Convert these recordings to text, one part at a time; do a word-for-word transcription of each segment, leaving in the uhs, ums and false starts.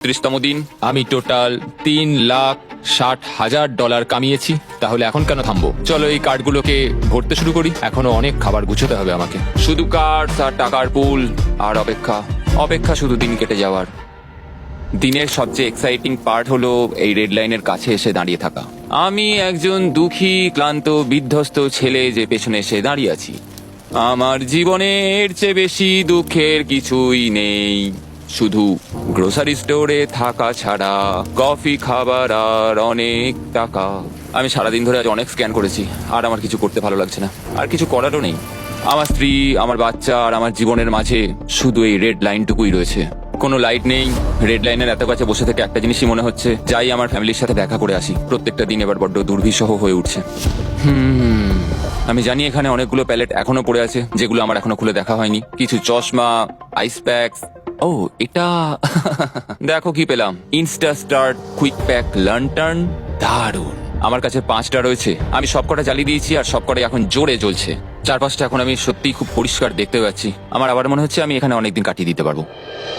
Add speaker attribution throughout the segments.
Speaker 1: ছত্রিশতম দিন। আমি টোটাল তিন লাখ ষাট হাজার ডলার কামিয়েছি। তাহলে এখন কেন থামবো? চলো এই কার্ডগুলোকে ভরতে শুরু করি। এখনো অনেক খাবার গুছোতে হবে আমাকে। শুধু কার্ড আর টাকার পুল আর অপেক্ষা, অপেক্ষা শুধু দিন কেটে যাওয়ার। দিনের সবচেয়ে এক্সাইটিং পার্ট হলো এই রেড লাইনের কাছে এসে দাঁড়িয়ে থাকা। আমি একজন দুঃখী, ক্লান্ত, বিধ্বস্ত ছেলে যে পেছনে এসে দাঁড়িয়ে আছি। আমার জীবনে এর চেয়ে বেশি দুঃখের কিছুই নেই, শুধু গ্রোসারি স্টোরে থাকা ছাড়া, কফি খাবার আর অনেক টাকা। আমি সারাদিন ধরে আজ অনেক স্ক্যান করেছি আর আমার কিছু করতে ভালো লাগছে না, আর কিছু করারও নেই। আমার স্ত্রী, আমার বাচ্চা আর আমার জীবনের মাঝে শুধু এই রেড লাইনটুকুই রয়েছে। কোনো লাইট নেই। রেড লাইনের এত কাছে বসে থেকে একটা জিনিসই মনে হচ্ছে, যাই আমার ফ্যামিলির সাথে দেখা করে আসি। প্রত্যেকটা দিন এবার বড্ড দুর্বিষহ হয়ে উঠছে। হুম আমি জানি এখানে অনেকগুলো প্যালেট এখনো পড়ে আছে যেগুলো আমার এখনো খুলে দেখা হয়নি। কিছু চশমা, আইস প্যাকস। ও এটা দেখো কি পেলাম, insta start quick pack lantern. দারুণ। আমার কাছে পাঁচটা রয়েছে। আমি সবকটা জ্বালিয়ে দিয়েছি আর সবকটাই এখন জোরে জ্বলছে। চারপাশটা এখন আমি সত্যিই খুব পরিষ্কার দেখতে পাচ্ছি। আমার আবার মনে হচ্ছে আমি এখানে অনেকদিন কাটিয়ে দিতে পারবো।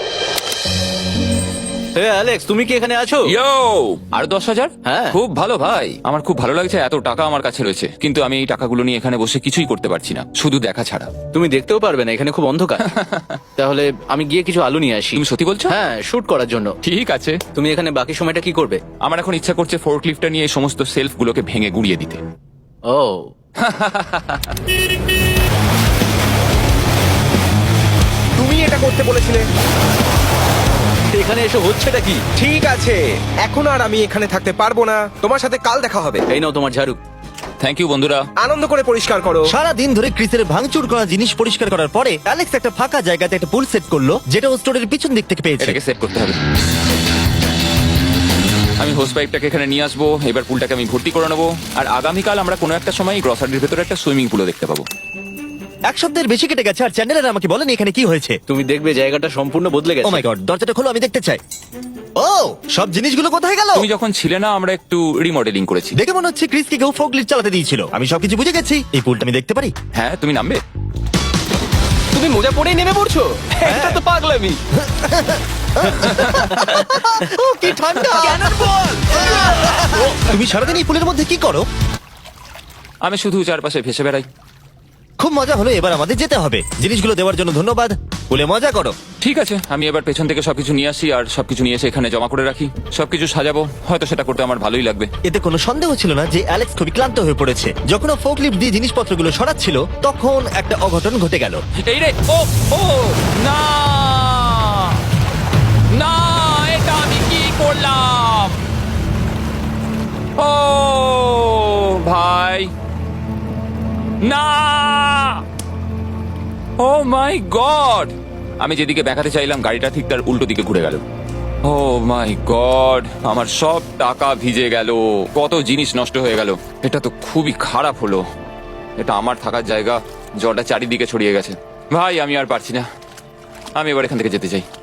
Speaker 2: অ্যালেক্স, তুমি কি এখানে আছো?
Speaker 1: ইয়ো, আর দশ হাজার?
Speaker 2: হ্যাঁ।
Speaker 1: খুব ভালো ভাই, আমার খুব ভালো লাগছে। এত টাকা আমার কাছে রয়েছে, কিন্তু আমি এই টাকাগুলো নিয়ে এখানে বসে কিছুই করতে পারছি না, শুধু দেখা ছাড়া।
Speaker 2: তুমি দেখতেও পারবে না, এখানে খুব অন্ধকার। তাহলে আমি গিয়ে কিছু আলো নিয়ে আসি।
Speaker 1: তুমি সত্যি বলছো?
Speaker 2: হ্যাঁ, শুট করার জন্য।
Speaker 1: ঠিক আছে।
Speaker 2: তুমি এখানে বাকি সময়টা কি করবে?
Speaker 1: আমার এখন ইচ্ছা করছে ফোর্কলিফটটা নিয়ে এই সমস্ত সেলফ গুলোকে ভেঙে গুড়িয়ে দিতে।
Speaker 2: ও
Speaker 3: তুমি এটা করতে বলেছিলে।
Speaker 2: এখানে এসে হচ্ছেটা কি?
Speaker 3: ঠিক আছে, এখন আর আমি এখানে থাকতে পারবো না। তোমার সাথে কাল দেখা হবে।
Speaker 2: এই নাও তোমার ঝাড়ু।
Speaker 1: থ্যাংক ইউ বন্ধুরা।
Speaker 3: আনন্দ করে পরিষ্কার করো।
Speaker 4: সারা দিন ধরে ক্রিসের ভাঙচুর করা জিনিস পরিষ্কার করার পরে অ্যালেক্স একটা ফাঁকা জায়গাতে একটা পুল সেট করলো, যেটা ও স্টোরের পিছন দিক থেকে পেয়েছে।
Speaker 1: এটাকে সেট করতে হবে। আমি হোস পাইপটাকে এখানে নিয়ে আসবো। এবার পুলটাকে আমি ভর্তি করে নেবো। আর আগামীকাল আমরা কোনো একটা সময় গ্রসারির ভেতরে একটা সুইমিং পুলও দেখতে পাবো।
Speaker 4: এক সপ্তাহের বেশি কেটে গেছে আর চ্যানেলের আমাকে বলেনি এখানে কি হয়েছে।
Speaker 2: তুমি দেখবে জায়গাটা সম্পূর্ণ বদলে
Speaker 4: ও
Speaker 2: গেছে।
Speaker 4: মাই গড, দরজাটা খোলো, আমি দেখতে চাই। ও, সব জিনিসগুলো কোথায় গেল?
Speaker 1: তুমি যখন ছিলে না, আমরা একটু রিমডেলিং করেছি।
Speaker 4: দেখে মনে হচ্ছে ক্রিসকে কেউ ফোর্কলিফট চালাতে দিয়েছিল। আমি সবকিছু বুঝে গেছি। এই পুলটা আমি দেখতে পারি?
Speaker 1: হ্যাঁ, তুমি নামবে।
Speaker 2: তুমি মোজা পরেই নেমে পড়ছো? এটা তো পাগলামি।
Speaker 4: ও কি ঠান্ডা! তুমি সারাদিন এই পুলের মধ্যে কি করো?
Speaker 1: আমি শুধু চারপাশে ভেসে বেড়াই।
Speaker 4: খুব মজা হলো, এবার আমাদের যেতে হবে। জিনিসগুলো দেওয়ার জন্য ধন্যবাদ। পুলে মজা করো।
Speaker 1: ঠিক আছে, আমি এবার পেছন থেকে সবকিছু নিয়ে আসি আর সবকিছু নিয়ে এসে এখানে জমা করে রাখি। সবকিছু সাজাবো, হয়তো সেটা করতে আমার ভালোই লাগবে।
Speaker 4: এতে কোনো সন্দেহ ছিল না যে অ্যালেক্স খুবই ক্লান্ত হয়ে পড়েছে। যখন ও ফোর্কলিফট দিয়ে জিনিসপত্রগুলো সরাচ্ছিল, তখন একটা অঘটন ঘটে গেল।
Speaker 1: এই রে, ও ও না না, এটা আমি কি করলাম? ও ভাই, না! Oh my god! আমি যেদিকে দেখাতে চাইলাম গাড়িটা ঠিক তার উল্টো দিকে ঘুরে গেল। ও মাই গড, আমার সব টাকা ভিজে গেল, কত জিনিস নষ্ট হয়ে গেল। এটা তো খুবই খারাপ হলো। এটা আমার থাকার জায়গা, জলটা চারিদিকে ছড়িয়ে গেছে। ভাই, আমি আর পারছি না। আমি এবার এখান থেকে যেতে চাই।